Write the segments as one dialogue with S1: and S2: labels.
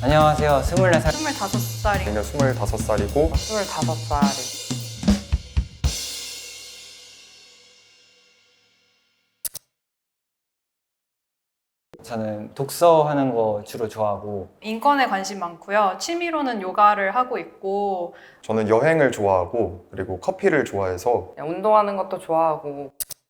S1: 안녕하세요. 24살.
S2: 25살이
S3: 내년 25살이고
S2: 25살이
S1: 저는 독서하는 거 주로 좋아하고
S2: 인권에 관심 많고요. 취미로는 요가를 하고 있고
S3: 저는 여행을 좋아하고 그리고 커피를 좋아해서
S4: 운동하는 것도 좋아하고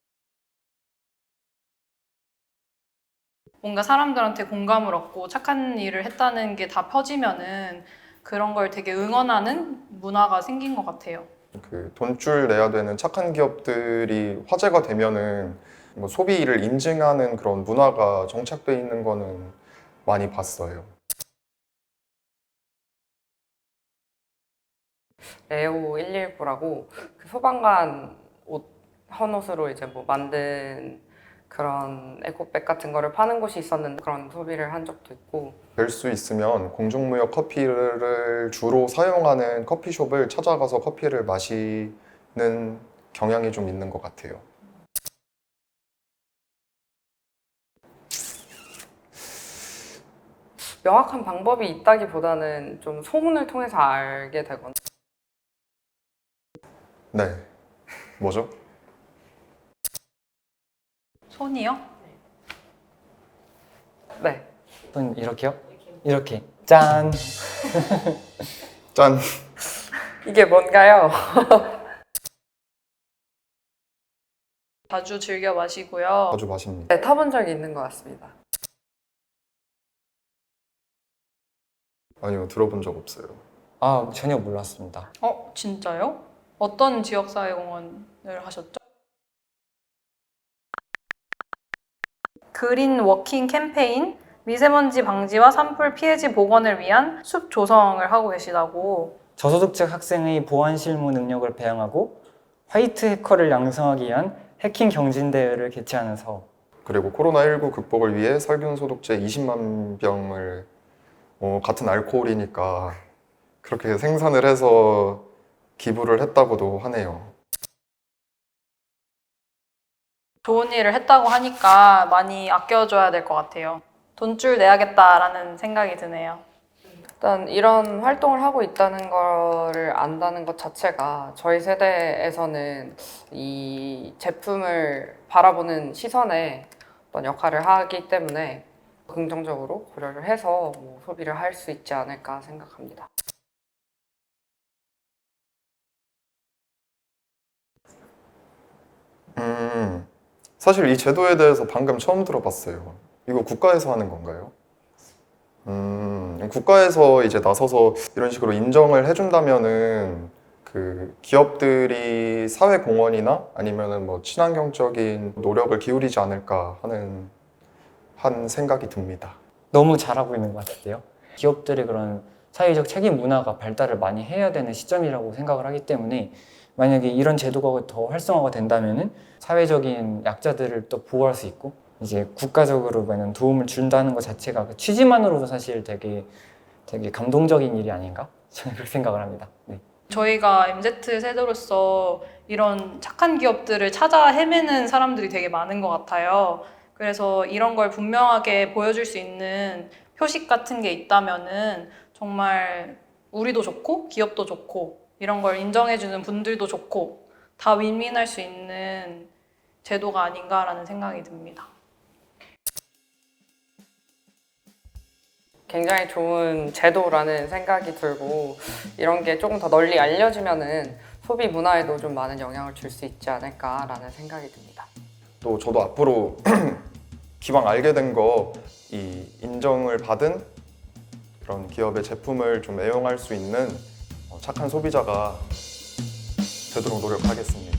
S2: 뭔가 사람들한테 공감을 얻고 착한 일을 했다는 게 다 펴지면은 그런 걸 되게 응원하는 문화가 생긴 것 같아요.
S3: 그 돈줄 내야 되는 착한 기업들이 화제가 되면은 뭐 소비를 인증하는 그런 문화가 정착돼 있는 거는 많이 봤어요.
S4: 레오 119라고 그 소방관 옷 헌옷으로 이제 뭐 만든 그런 에코백 같은 거를 파는 곳이 있었는데 그런 소비를 한 적도 있고
S3: 될 수 있으면 공중무역 커피를 주로 사용하는 커피숍을 찾아가서 커피를 마시는 경향이 좀 있는 것 같아요.
S4: 명확한 방법이 있다기보다는 좀 소문을 통해서 알게 되거나
S3: 네. 뭐죠?
S2: 손이요?
S4: 네.
S1: 손 이렇게요? 이렇게 짠!
S3: 짠!
S4: 이게 뭔가요?
S2: 자주 즐겨 마시고요.
S3: 자주 마십니다.
S4: 네, 타본 적이 있는 것 같습니다.
S3: 아니요, 들어본 적 없어요.
S1: 아, 전혀 몰랐습니다.
S2: 진짜요? 어떤 지역사회공헌을 하셨죠? 그린 워킹 캠페인, 미세먼지 방지와 산불 피해지 복원을 위한 숲 조성을 하고 계시다고.
S1: 저소득층 학생의 보안 실무 능력을 배양하고 화이트 해커를 양성하기 위한 해킹 경진대회를 개최하는 사업.
S3: 그리고 코로나19 극복을 위해 살균 소독제 20만 병을 같은 알코올이니까 그렇게 생산을 해서 기부를 했다고도 하네요.
S2: 좋은 일을 했다고 하니까 많이 아껴줘야 될 것 같아요. 돈줄 내야겠다라는 생각이 드네요.
S4: 일단 이런 활동을 하고 있다는 거를 안다는 것 자체가 저희 세대에서는 이 제품을 바라보는 시선에 어떤 역할을 하기 때문에 긍정적으로 고려를 해서 뭐 소비를 할 수 있지 않을까 생각합니다.
S3: 사실 이 제도에 대해서 방금 처음 들어봤어요. 이거 국가에서 하는 건가요? 국가에서 이제 나서서 이런 식으로 인정을 해준다면은 그 기업들이 사회공헌이나 아니면은 뭐 친환경적인 노력을 기울이지 않을까 하는 한 생각이 듭니다.
S1: 너무 잘하고 있는 것 같은데요. 기업들의 그런 사회적 책임 문화가 발달을 많이 해야 되는 시점이라고 생각을 하기 때문에 만약에 이런 제도가 더 활성화가 된다면은 사회적인 약자들을 또 보호할 수 있고 이제 국가적으로 도움을 준다는 것 자체가 그 취지만으로도 사실 되게 감동적인 일이 아닌가? 저는 그렇게 생각을 합니다. 네.
S2: 저희가 MZ 세대로서 이런 착한 기업들을 찾아 헤매는 사람들이 되게 많은 것 같아요. 그래서 이런 걸 분명하게 보여줄 수 있는 표식 같은 게 있다면은 정말 우리도 좋고 기업도 좋고 이런 걸 인정해주는 분들도 좋고 다 윈윈할 수 있는 제도가 아닌가라는 생각이 듭니다.
S4: 굉장히 좋은 제도라는 생각이 들고 이런 게 조금 더 널리 알려지면은 소비 문화에도 좀 많은 영향을 줄 수 있지 않을까라는 생각이 듭니다.
S3: 또 저도 앞으로 기왕 알게 된 거 이 인정을 받은 그런 기업의 제품을 좀 애용할 수 있는 착한 소비자가 되도록 노력하겠습니다.